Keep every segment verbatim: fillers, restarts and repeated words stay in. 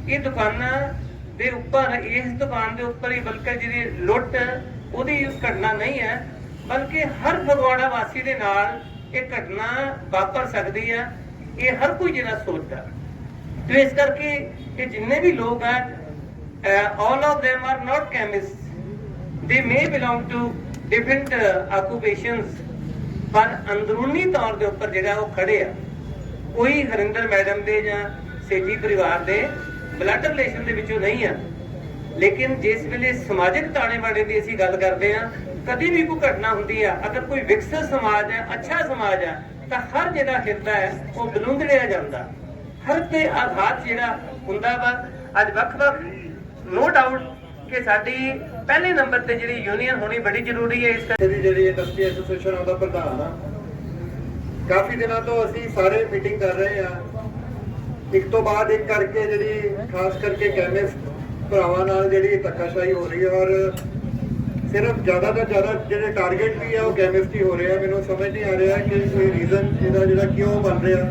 ये दुकाना ਦੇ ਉੱਪਰ ਇਸ ਦੁਕਾਨ ਦੇ ਉੱਪਰ ਹੀ ਬਲਕਿ ਜਿਹੜੀ ਲੁੱਟ ਉਹਦੀ ਘਟਨਾ ਨਹੀਂ ਹੈ, ਬਲਕਿ ਹਰ ਫਗਵਾੜਾ ਵਾਸੀ ਦੇ ਨਾਲ ਇਹ ਘਟਨਾ ਵਾਪਰ ਸਕਦੀ ਹੈ। ਇਹ ਹਰ ਕੋਈ ਜਿਹੜਾ ਸੋਚਦਾ ਤੇ ਇਸ ਕਰਕੇ ਇਹ ਜਿੰਨੇ ਵੀ ਲੋਕ ਹੈ, all of them are not chemists, they may belong to different occupations, ਪਰ ਅੰਦਰੂਨੀ ਤੌਰ ਦੇ ਉੱਪਰ ਜਿਹੜਾ ਉਹ ਖੜੇ ਆ। ਕੋਈ ਹਰਿੰਦਰ ਮੈਡਮ ਦੇ ਜਾਂ ਸੇਠੀ ਪਰਿਵਾਰ ਦੇ ਬਲੱਡ ਰਿਲੇਸ਼ਨ ਦੇ ਵਿੱਚੋਂ ਨਹੀਂ ਆ, ਲੇਕਿਨ ਜਿਸ ਵੇਲੇ ਸਮਾਜਿਕ ਤਾਣੇ ਬਾਣੇ ਦੀ ਅਸੀਂ ਗੱਲ ਕਰਦੇ ਆ, ਕਦੀ ਵੀ ਕੋਈ ਘਟਨਾ ਹੁੰਦੀ ਆ, ਅਗਰ ਕੋਈ ਵਿਕਸਿਤ ਸਮਾਜ ਹੈ, ਅੱਛਾ ਸਮਾਜ ਹੈ, ਤਾਂ ਹਰ ਜਿਹੜਾ ਹਿਰਦਾ ਹੈ ਉਹ ਬਲੂੰਦੜਿਆ ਜਾਂਦਾ, ਹਰ ਤੇ ਆਘਾਤ ਜਿਹੜਾ ਹੁੰਦਾ ਵਾ। ਅੱਜ ਵੱਖ-ਵੱਖ ਨੋ ਡਾਊਟ ਕਿ ਸਾਡੀ ਪਹਿਲੇ ਨੰਬਰ ਤੇ ਜਿਹੜੀ ਯੂਨੀਅਨ ਹੋਣੀ ਬੜੀ ਜ਼ਰੂਰੀ ਹੈ। ਇਸ ਕਰਕੇ ਜਿਹੜੀ ਇੰਡਸਟਰੀ ਐਸੋਸੀਏਸ਼ਨ ਉਹਦਾ ਪ੍ਰਧਾਨ ਆ, ਕਾਫੀ ਦਿਨਾਂ ਤੋਂ ਅਸੀਂ ਸਾਰੇ ਮੀਟਿੰਗ ਕਰ ਰਹੇ ਆ, ਇੱਕ ਤੋਂ ਬਾਅਦ ਇੱਕ ਕਰਕੇ ਜਿਹੜੀ ਖਾਸ ਕਰਕੇ ਕੈਮਿਸਟ ਭਰਾਵਾਂ ਨਾਲ ਜਿਹੜੀ ਧੱਕਾਸ਼ਾਹੀ ਹੋ ਰਹੀ ਹੈ, ਔਰ ਸਿਰਫ ਜ਼ਿਆਦਾ ਤੋਂ ਜ਼ਿਆਦਾ ਜਿਹੜੇ ਟਾਰਗੇਟ ਵੀ ਆ ਉਹ ਕੈਮਿਸਟ ਹੀ ਹੋ ਰਹੇ ਆ। ਮੈਨੂੰ ਸਮਝ ਨਹੀਂ ਆ ਰਿਹਾ ਕਿ ਕੋਈ ਰੀਜ਼ਨ ਇਹਦਾ ਜਿਹੜਾ ਕਿਉਂ ਬਣ ਰਿਹਾ।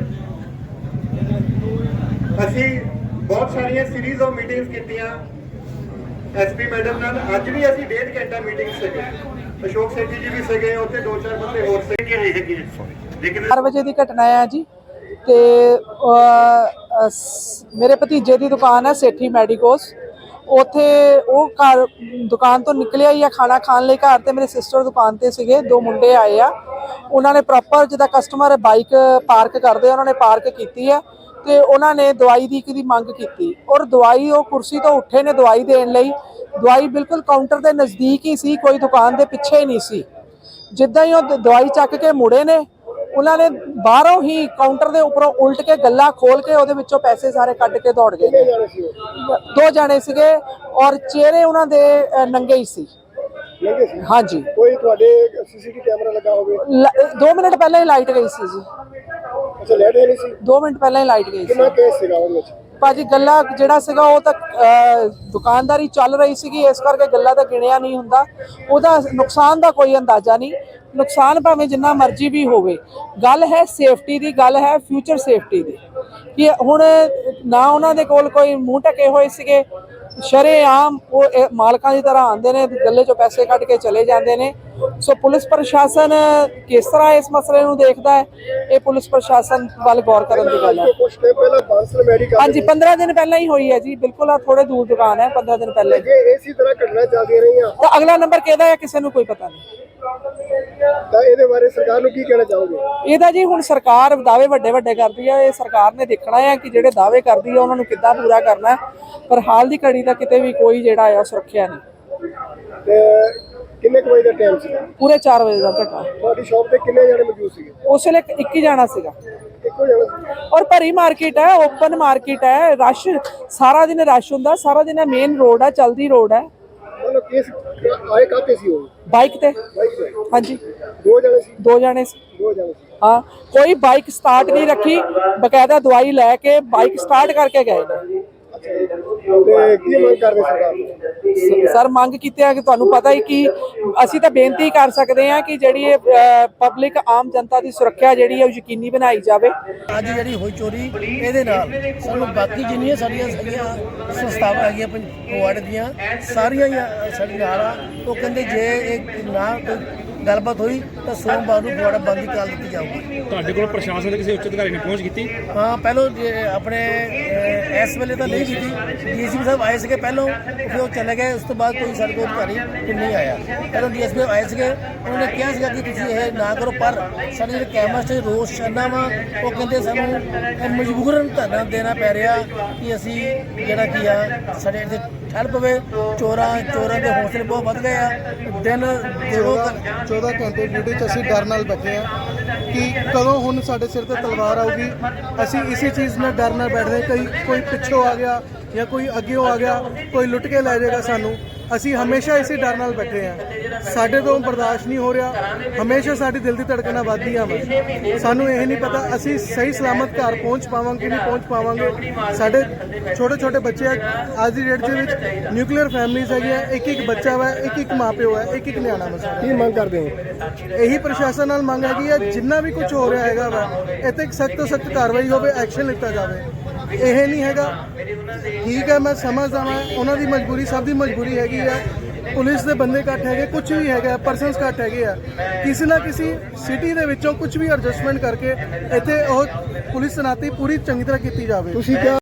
ਅਸੀਂ ਬਹੁਤ ਸਾਰੀਆਂ ਸੀਰੀਜ਼ ਆਫ ਮੀਟਿੰਗਸ ਕੀਤੀਆਂ ਐਸਪੀ ਮੈਡਮ ਨਾਲ। ਅੱਜ ਵੀ ਅਸੀਂ ਡੇਢ ਘੰਟਾ ਮੀਟਿੰਗ ਸੀਗੇ, ਅਸ਼ੋਕ ਸੇਠੀ ਜੀ ਵੀ ਸੀਗੇ, ਉੱਥੇ ਦੋ ਚਾਰ ਬੰਦੇ ਹੋਰ ਸੀਗੇ ਹੈਗੇ। ਲੇਕਿਨ ਚਾਰ ਵਜੇ ਦੀ ਘਟਨਾ ਹੈ ਜੀ, ਤੇ ਮੇਰੇ ਭਤੀਜੇ ਦੀ ਦੁਕਾਨ ਹੈ ਸੇਠੀ ਮੈਡੀਕੋਸ। ਉੱਥੇ ਉਹ ਘਰ ਦੁਕਾਨ ਤੋਂ ਨਿਕਲਿਆ ਹੀ ਆ ਖਾਣਾ ਖਾਣ ਲਈ ਘਰ, ਤੇ ਮੇਰੇ ਸਿਸਟਰ ਦੁਕਾਨ ਤੇ ਸੀਗੇ। ਦੋ ਮੁੰਡੇ ਆਏ ਆ, ਉਹਨਾਂ ਨੇ ਪ੍ਰੋਪਰ ਜਿੱਦਾਂ ਕਸਟਮਰ ਬਾਈਕ ਪਾਰਕ ਕਰਦੇ ਉਹਨਾਂ ਨੇ ਪਾਰਕ ਕੀਤੀ ਆ, ਤੇ ਉਹਨਾਂ ਨੇ ਦਵਾਈ ਦੀ ਦੀ ਮੰਗ ਕੀਤੀ, ਔਰ ਦਵਾਈ ਉਹ ਕੁਰਸੀ ਤੋਂ ਉੱਠੇ ਨੇ ਦਵਾਈ ਦੇਣ ਲਈ। ਦਵਾਈ ਬਿਲਕੁਲ ਕਾਊਂਟਰ ਦੇ ਨਜ਼ਦੀਕ ਹੀ ਸੀ, ਕੋਈ ਦੁਕਾਨ ਦੇ ਪਿੱਛੇ ਨਹੀਂ ਸੀ। ਜਿੱਦਾਂ ਹੀ ਉਹ ਦਵਾਈ ਚੱਕ ਕੇ ਮੁੜੇ ਨੇ, ਉਹਨਾਂ ਨੇ ਬਾਹਰੋਂ ਹੀ ਕਾਊਂਟਰ ਦੇ ਉੱਪਰੋਂ ਉਲਟ ਕੇ ਗੱਲਾ ਖੋਲ ਕੇ ਉਹਦੇ ਵਿੱਚੋਂ ਪੈਸੇ ਸਾਰੇ ਕੱਢ ਕੇ ਦੌੜ ਗਏ। ਦੋ ਜਾਣੇ ਸੀਗੇ, ਔਰ ਚਿਹਰੇ ਉਹਨਾਂ ਦੇ ਨੰਗੇ ਹੀ ਸੀ। ਹਾਂਜੀ, ਕੋਈ ਤੁਹਾਡੇ ਸੀਸੀਟੀਵੀ ਕੈਮਰਾ ਲੱਗਾ ਹੋਵੇ? ਦੋ ਮਿੰਟ ਪਹਿਲਾਂ ਹੀ ਲਾਈਟ ਗਈ ਸੀ ਜੀ। ਅੱਛਾ, ਲਾਈਟ ਨਹੀਂ ਸੀ? ਦੋ ਮਿੰਟ ਪਹਿਲਾਂ ਹੀ ਲਾਈਟ ਗਈ ਸੀ। ਕਿੰਨਾ ਕੇਸ ਸੀਗਾ ਉਹਦੇ ਵਿੱਚ? ਭਾਜੀ ਗੱਲਾ ਜਿਹੜਾ ਸੀਗਾ ਉਹ ਤਾਂ ਦੁਕਾਨਦਾਰੀ ਚੱਲ ਰਹੀ ਸੀਗੀ, ਇਸ ਕਰਕੇ ਗੱਲਾ ਤਾਂ ਗਿਣਿਆ ਨਹੀਂ ਹੁੰਦਾ। ਉਹਦਾ ਨੁਕਸਾਨ ਦਾ ਕੋਈ ਅੰਦਾਜ਼ਾ ਨਹੀਂ। ਨੁਕਸਾਨ ਭਾਵੇਂ ਜਿੰਨਾ ਮਰਜ਼ੀ ਵੀ ਹੋਵੇ, ਗੱਲ ਹੈ ਸੇਫਟੀ ਦੀ, ਗੱਲ ਹੈ ਫਿਊਚਰ ਸੇਫਟੀ ਦੀ। ਕਿ ਹੁਣ ਨਾ ਉਹਨਾਂ ਦੇ ਕੋਲ ਕੋਈ ਮੂੰਹ ਢਕੇ ਹੋਏ ਸੀਗੇ, ਸ਼ਰੇਆਮ ਉਹ ਮਾਲਕਾਂ ਦੀ ਤਰ੍ਹਾਂ ਆਉਂਦੇ ਨੇ, ਗੱਲੇ 'ਚੋਂ ਪੈਸੇ ਕੱਢ ਕੇ ਚਲੇ ਜਾਂਦੇ ਨੇ। ਸੋ ਪੁਲਿਸ ਪ੍ਰਸ਼ਾਸਨ ਕਿਸ ਤਰ੍ਹਾਂ ਇਸ ਮਸਲੇ ਨੂੰ ਦੇਖਦਾ ਹੈ, ਇਹ ਪੁਲਿਸ ਪ੍ਰਸ਼ਾਸਨ ਵੱਲ ਗੌਰ ਕਰਨ ਦੀ ਗੱਲ ਹੈ। ਹਾਂਜੀ, ਪੰਦਰਾਂ ਦਿਨ ਪਹਿਲਾਂ ਹੀ ਹੋਈ ਹੈ ਜੀ, ਬਿਲਕੁਲ ਆ ਥੋੜੇ ਦੂਰ ਦੁਕਾਨ ਹੈ, ਪੰਦਰਾਂ ਦਿਨ ਪਹਿਲਾਂ ਇਸੇ ਤਰ੍ਹਾਂ ਘਟਨਾ ਚੱਲਦੀਆਂ ਰਹੀਆਂ ਤਾਂ ਅਗਲਾ ਨੰਬਰ ਕਿਹਦਾ ਹੈ ਕਿਸੇ ਨੂੰ ਕੋਈ ਪਤਾ ਨਹੀਂ। ਤਾਂ ਇਹਦੇ ਬਾਰੇ ਸਰਕਾਰ ਨੂੰ ਕੀ ਕਹਿਣਾ ਚਾਹੋਗੇ? ਇਹਦਾ ਜੀ ਹੁਣ ਸਰਕਾਰ ਦਾਅਵੇ ਵੱਡੇ ਵੱਡੇ ਕਰਦੀ ਹੈ, ਇਹ ਸਰਕਾਰ ਨੇ ਦੇਖਣਾ ਹੈ ਕਿ ਜਿਹੜੇ ਦਾਅਵੇ ਕਰਦੀ ਹੈ ਉਹਨਾਂ ਨੂੰ ਕਿੱਦਾਂ ਪੂਰਾ ਕਰਨਾ। ਪਰ ਹਾਲ ਦੀ ਘੜੀ ਦਾ ਕਿਤੇ ਵੀ ਕੋਈ ਜਿਹੜਾ ਹੈ ਸੁਰੱਖਿਆ ਨਹੀਂ। ਤੇ ਕਿੰਨੇ ਕੁ ਵਜੇ ਦਾ ਟਾਈਮ ਸੀ? ਪੂਰੇ ਚਾਰ ਵਜੇ ਦਾ ਘਟਨਾ। ਤੁਹਾਡੀ ਸ਼ਾਪ ਤੇ ਕਿੰਨੇ ਜਣੇ ਮੌਜੂਦ ਸੀਗੇ? ਉਸ ਵੇਲੇ ਇੱਕ ਹੀ ਜਾਣਾ ਸੀਗਾ। ਇੱਕੋ ਜਣਾ ਸੀ? ਔਰ ਭਰੀ ਮਾਰਕੀਟ ਹੈ, ਓਪਨ ਮਾਰਕੀਟ ਹੈ, ਰਸ਼ ਸਾਰਾ ਦਿਨ ਰਸ਼ ਹੁੰਦਾ, ਸਾਰਾ ਦਿਨ ਮੇਨ ਰੋਡ ਹੈ, ਚਲਦੀ ਰੋਡ ਹੈ। ਮਤਲਬ ਕੇਸ ਆਏ ਕਾਤੇ ਸੀ ਉਹ? ਬਾਈਕ ਤੇ। ਬਾਈਕ ਤੇ? ਹਾਂਜੀ, ਦੋ ਜਣੇ ਸੀ? ਦੋ ਜਣੇ ਸੀ। ਦੋ ਜਣੇ ਸੀ। ਹਾਂ, ਕੋਈ ਬਾਈਕ ਸਟਾਰਟ ਨਹੀਂ ਰੱਖੀ, ਬਕਾਇਦਾ ਦਵਾਈ ਲੈ ਕੇ ਬਾਈਕ ਸਟਾਰਟ ਕਰਕੇ ਗਏ ਨੇ। ਤੇ ਕੀ ਮੰਗ ਕਰਦੇ ਸਰਕਾਰ ਨੂੰ? ਸਰ ਮੰਗ ਕੀਤੀ ਹੈ ਕਿ ਤੁਹਾਨੂੰ ਪਤਾ ਹੀ ਕਿ ਅਸੀਂ ਤਾਂ ਬੇਨਤੀ ਕਰ ਸਕਦੇ ਹਾਂ ਕਿ ਜਿਹੜੀ ਇਹ ਪਬਲਿਕ ਆਮ ਜਨਤਾ ਦੀ ਸੁਰੱਖਿਆ ਜਿਹੜੀ ਹੈ ਉਹ ਯਕੀਨੀ ਬਣਾਈ ਜਾਵੇ। ਅੱਜ ਜਿਹੜੀ ਹੋਈ ਚੋਰੀ, ਇਹਦੇ ਨਾਲ ਸਾਨੂੰ ਬਾਕੀ ਜਿੰਨੀਆਂ ਸਾਡੀਆਂ ਸਾਡੀਆਂ ਸੰਸਥਾਵਾਂ ਹੈਗੀਆਂ ਫਗਵਾੜੇ ਦੀਆਂ ਸਾਰੀਆਂ ਹੀ ਸਾਡੇ ਨਾਲ ਆ। ਉਹ ਕਹਿੰਦੇ ਜੇ ਇਹ ਨਾ ਕੋਈ ਗੱਲਬਾਤ ਹੋਈ ਤਾਂ ਸੋਮਵਾਰ ਨੂੰ ਫਗਵਾੜਾ ਬੰਦ ਹੀ ਕਰ ਦਿੱਤੀ ਜਾਊਗੀ। ਤੁਹਾਡੇ ਕੋਲ ਪ੍ਰਸ਼ਾਸਨ ਦੇ ਕਿਸੇ ਉੱਚ ਅਧਿਕਾਰੀ ਨੇ ਪਹੁੰਚ ਕੀਤੀ? ਹਾਂ, ਪਹਿਲੋਂ ਆਪਣੇ ਇਸ ਵੇਲੇ ਤਾਂ ਨਹੀਂ ਕੀਤੀ। ਡੀਐਸਪੀ ਸਾਹਿਬ ਆਏ ਸੀਗੇ ਪਹਿਲੋਂ, ਫਿਰ ਉਹ ਚਲੇ ਗਏ। ਉਸ ਤੋਂ ਬਾਅਦ ਕੋਈ ਸਾਡੇ ਕੋਲ ਅਧਿਕਾਰੀ ਨਹੀਂ ਆਇਆ। ਪਹਿਲੋਂ ਡੀਐਸਪੀ ਆਏ ਸੀਗੇ, ਉਹਨਾਂ ਨੇ ਕਿਹਾ ਸੀਗਾ ਕਿ ਤੁਸੀਂ ਇਹ ਨਾ ਕਰੋ, ਪਰ ਸਾਡੇ ਜਿਹੜੇ ਕੈਮਰਾ 'ਚ ਰੋਸ ਛੱਡਣਾ ਵਾ, ਉਹ ਕਹਿੰਦੇ ਸਾਨੂੰ ਮਜਬੂਰਨ ਧਰਨਾ ਦੇਣਾ ਪੈ ਰਿਹਾ ਕਿ ਅਸੀਂ ਜਿਹੜਾ ਕੀ ਆ ਸਾਡੇ ਇੱਥੇ ਠੱਲ ਪਵੇ। ਚੋਰਾਂ ਚੋਰਾਂ ਦੇ ਹੌਸਲੇ ਬਹੁਤ ਵੱਧ ਗਏ ਆ। ਦਿਨ ਚੌਦਾਂ ਘੰਟੇ ਡਿਊਟੀ 'ਚ ਅਸੀਂ ਡਰ ਨਾਲ ਬੈਠੇ ਆ ਕਿ ਕਦੋਂ ਹੁਣ ਸਾਡੇ ਸਿਰ ਤੇ ਤਲਵਾਰ ਆਊਗੀ। ਅਸੀਂ ਇਸੇ ਚੀਜ਼ ਨਾਲ ਡਰ ਨਾਲ ਬੈਠਦੇ, ਕਈ ਕੋਈ ਪਿੱਛੋਂ ਆ ਗਿਆ ਜਾਂ ਕੋਈ ਅੱਗਿਓਂ ਆ ਗਿਆ, ਕੋਈ ਲੁੱਟ ਕੇ ਲੈ ਜਾਏਗਾ ਸਾਨੂੰ। ਅਸੀਂ ਹਮੇਸ਼ਾ ਇਸੇ ਡਰ ਨਾਲ ਬੈਠੇ ਆ। ਸਾਡੇ ਤੋਂ ਬਰਦਾਸ਼ਤ ਨਹੀਂ ਹੋ ਰਿਹਾ। ਹਮੇਸ਼ਾ ਸਾਡੀ ਦਿਲ ਦੀ ਧੜਕਣਾਂ ਵੱਧਦੀਆਂ ਵਾ। ਸਾਨੂੰ ਇਹ ਨਹੀਂ ਪਤਾ ਅਸੀਂ ਸਹੀ ਸਲਾਮਤ ਘਰ ਪਹੁੰਚ ਪਾਵਾਂਗੇ ਨਹੀਂ ਪਹੁੰਚ ਪਾਵਾਂਗੇ। ਸਾਡੇ ਛੋਟੇ ਛੋਟੇ ਬੱਚੇ ਆ। ਅੱਜ ਦੀ ਡੇਟ ਦੇ ਵਿੱਚ ਨਿਊਕਲੀਅਰ ਫੈਮਿਲੀਜ਼ ਹੈਗੀਆਂ, ਇੱਕ ਇੱਕ ਬੱਚਾ ਵਾ, ਇੱਕ ਇੱਕ ਮਾਂ ਪਿਓ ਹੈ, ਇੱਕ ਇੱਕ ਨਿਆਣਾ ਵਾ। ਕੀ ਮੰਗ ਕਰਦੇ ਹੋ? ਇਹੀ ਪ੍ਰਸ਼ਾਸਨ ਨਾਲ ਮੰਗ ਹੈਗੀ ਹੈ, ਜਿੰਨਾ ਵੀ ਕੁਝ ਹੋ ਰਿਹਾ ਹੈਗਾ ਵਾ ਇੱਥੇ ਇੱਕ ਸਖਤ ਤੋਂ ਸਖਤ ਕਾਰਵਾਈ ਹੋਵੇ, ਐਕਸ਼ਨ ਲਿੱਤਾ ਜਾਵੇ। ਇਹ ਨਹੀਂ ਹੈਗਾ। ਠੀਕ ਹੈ, ਮੈਂ ਸਮਝਦਾ ਮੈਂ ਉਹਨਾਂ ਦੀ ਮਜਬੂਰੀ, ਸਭ ਦੀ ਮਜਬੂਰੀ ਹੈਗੀ ਆ। ਪੁਲਿਸ ਦੇ ਬੰਦੇ ਘੱਟ ਹੈਗੇ, ਕੁਝ ਵੀ ਹੈਗਾ, ਪਰਸਨਸ ਘੱਟ ਹੈਗੇ ਆ। ਕਿਸੇ ਨਾ ਕਿਸੇ ਸਿਟੀ ਦੇ ਵਿੱਚੋਂ ਕੁਝ ਵੀ ਐਡਜਸਟਮੈਂਟ ਕਰਕੇ ਇੱਥੇ ਉਹ ਪੁਲਿਸ ਤੈਨਾਤੀ ਪੂਰੀ ਚੰਗੀ ਤਰ੍ਹਾਂ ਕੀਤੀ ਜਾਵੇ। ਤੁਸੀਂ ਕਿਹਾ